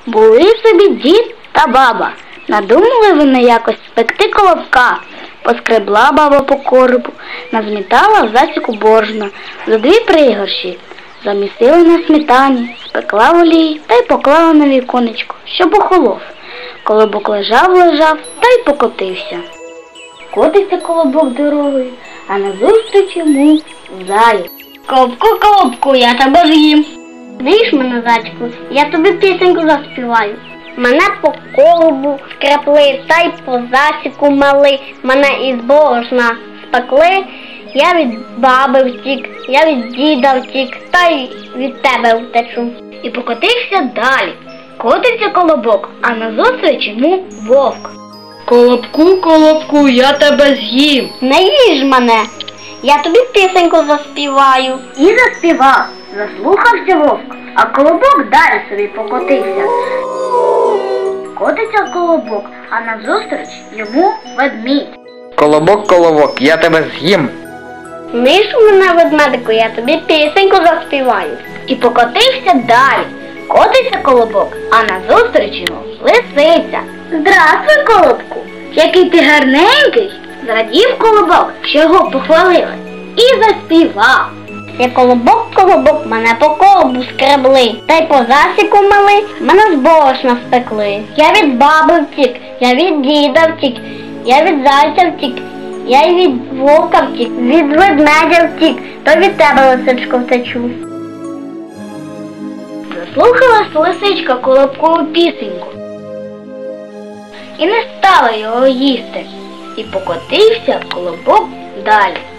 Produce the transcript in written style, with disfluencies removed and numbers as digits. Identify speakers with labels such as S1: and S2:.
S1: Були собі дід та баба. Надумали вони якось спекти колобка. Поскребла баба по коробу, назмітала в засіку борошна за 2 пригорші, замісила на сметані, спекла в олії та й поклала на віконечко, щоб охолов. Колобок лежав та й покотився. Котиться колобок дорогою, а назустріч йому заєць.
S2: Колобку, колобку, я тебе з'їм.
S1: Знаєш мене, зайчику, я тобі пісеньку заспіваю.
S2: Мене по колобу скрепли, та й по засіку мали, мене із борошна спекли. Я від баби втік, я від діда втік, та й від тебе втечу.
S1: І покотився далі. Котиться колобок, а назустріч йому вовк.
S3: Колобку, колобку, я тебе з'їм.
S2: Не їж мене, я тобі пісеньку заспіваю.
S1: І заспівав, заслухався вовк, а колобок далі собі покотився. Котиться колобок, а назустріч йому ведмідь.
S3: Колобок, колобок, я тебе з'їм.
S2: Ниш мене, ведмедику, я тобі пісеньку заспіваю.
S1: І покотився далі. Котиться колобок, а назустріч йому лисиця. Здравствуй, колобку! Який ти гарненький! Зрадів колобок, що його похвалили, і заспівав.
S2: Я колобок, колобок, мене по колобу скребли, та й по засіку мали, мене з борошна спекли. Я від баби втік, я від діда втік, я від зайця втік, я й від вовка втік, від ведмедя втік, то від тебе, лисичко, втечу.
S1: Заслухалась лисичка колобкову пісеньку і не стала його їсти, і покотився колобок далі.